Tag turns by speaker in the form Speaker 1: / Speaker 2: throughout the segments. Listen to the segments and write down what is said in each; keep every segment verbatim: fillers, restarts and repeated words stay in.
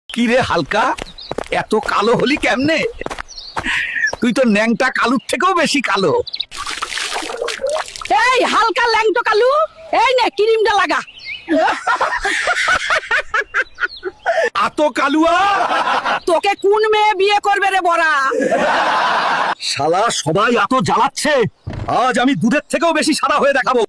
Speaker 1: কি রে হালকা, এত কালো হলি কেমনে? তুই তো ন্যাংটা কালুর থেকেও বেশি কালো।
Speaker 2: এই হালকা ল্যাংটো কালু, এই নে ক্রিমটা লাগা।
Speaker 1: এত কালুয়া
Speaker 2: তোকে কোন মেয়ে বিয়ে করবে রে বড়া?
Speaker 1: শালা সবাই এত জ্বালাচ্ছে, আজ আমি দুধের থেকেও বেশি সাদা হয়ে দেখাবো।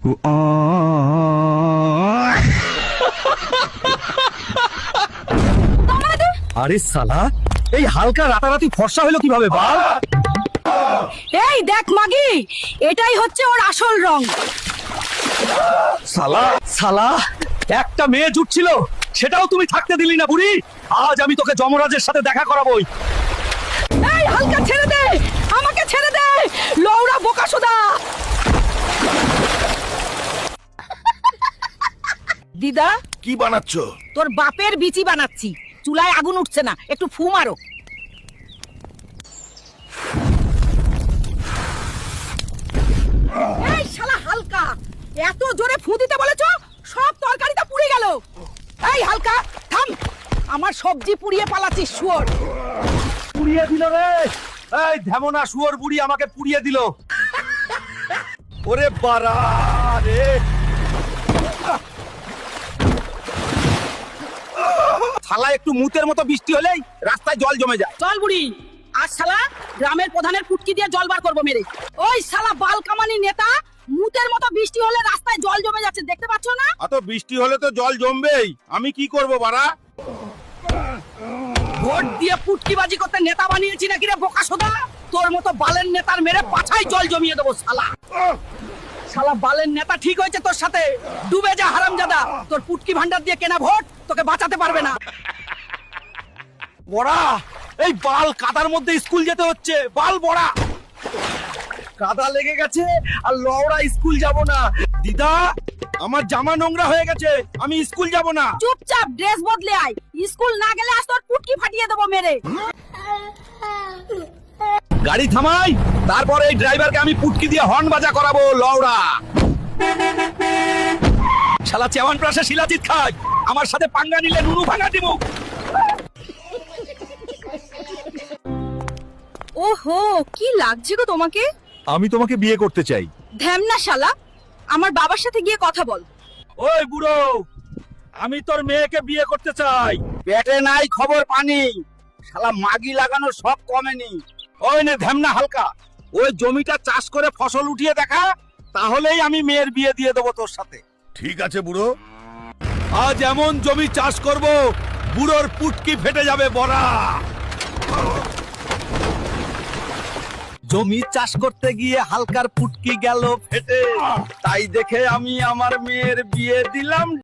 Speaker 1: আরে শালা, এই হালকা রাতারাতি ফর্সা হলো কিভাবে বল?
Speaker 2: এই দেখ মাগি, এটাই হচ্ছে ওর আসল রং।
Speaker 1: শালা শালা একটা মেয়ে জুটছিল, সেটাও তুমি থাকতে দিলি না বুড়ি। আজ আমি তোকে যমরাজের সাথে দেখা করাবোই।
Speaker 2: এই হালকা ছেড়ে দে, আমাকে ছেড়ে দে, লৌড়া বোকাসোদা। দিদা,
Speaker 3: কি বানাচ্ছ?
Speaker 2: তোর বাপের বিচি বানাচ্ছি। চুলায় আগুন উঠছে না, একটু ফু মারো। এই শালা হালকা, এত জোরে ফু দিতে বলেছো, সব তরকারিটা পুড়ে গেল। এই হালকা থাম, আমার সবজি পুড়িয়ে পালাচ্ছিস শুয়োর।
Speaker 1: পুড়িয়ে দিল রে, এই ধ্যামনা শুয়োর বুড়ি আমাকে পুড়িয়ে দিল। ওরে বাড়া রে, শালা একটু মুতের মতো বৃষ্টি হলেই রাস্তায় জল জমে যায়।
Speaker 2: চল বুড়ি, আজ শালা গ্রামের প্রধানের ফুটকি দিয়ে জল বার করবো মেরে। ওই শালা বাল কামানি নেতা, মুতের মতো বৃষ্টি হলে রাস্তায় জল জমে যাচ্ছে, দেখতে পাচ্ছ না?
Speaker 3: এত বৃষ্টি হলে তো জল জমবেই, আমি কি করব বাড়া?
Speaker 2: ভোট দিয়ে পুটকিবাজি করতে নেতা বানিয়েছি নাকি রে বোকাসোদা? তোর মতো বালের নেতার মেরে পাছায় জল জমিয়ে দেবো শালা। শালা বালের নেতা ঠিক হয়েছে তোর সাথে, ডুবে যা হারামজাদা। তোর পুটকি ভান্ডার দিয়ে কেনা ভোট তোকে বাঁচাতে পারবে না।
Speaker 1: বড়া, এই বাল কাদার মধ্যে স্কুল যেতে হচ্ছে। বাল বড়া, কাদা লেগে গেছে আর লওড়া স্কুল যাব না। দিদা, আমার জামা নোংরা হয়ে গেছে, আমি স্কুল যাব না।
Speaker 2: চুপচাপ ড্রেস বদলে আয়, স্কুল না গেলে আজ তোর পুটকি ফাটিয়ে দেবো মেরে।
Speaker 1: গাড়ি থামাই, তারপরে এই ড্রাইভারকে আমি পুটকি দিয়ে হর্ন বাজা করাবো। লওড়া শালা চেওয়ান প্রাসে শিলাজিৎ খায়, আমার সাথে পাঙ্গা নিলে নুনু ভাঙা দিব।
Speaker 2: ওহো, কি লাগছে গো তোমাকে?
Speaker 1: আমি তোমাকে বিয়ে করতে চাই।
Speaker 2: ধ্যামনা শালা, আমার বাবার সাথে গিয়ে কথা বল।
Speaker 1: ওই বুড়ো, আমি তোর মেয়েকে বিয়ে করতে চাই। পেটে নাই খবর পানি, শালা মাগি লাগানোর শখ কমেনি। ওই নে ধ্যামনা হালকা, ওই জমিটা চাষ করে ফসল উঠিয়ে দেখা, তাহলেই আমি মেয়ের বিয়ে দিয়ে দেবো তোর সাথে।
Speaker 3: ঠিক আছে বুড়ো।
Speaker 1: আজ এমন জমি চাষ করব, বুড়োর পুটকি ফেটে যাবে বড়া। জমি চাষ করতে গিয়ে হালকার পুটকি গেল ফেটে, তাই দেখে আমি আমার মেয়ের বিয়ে দিলাম।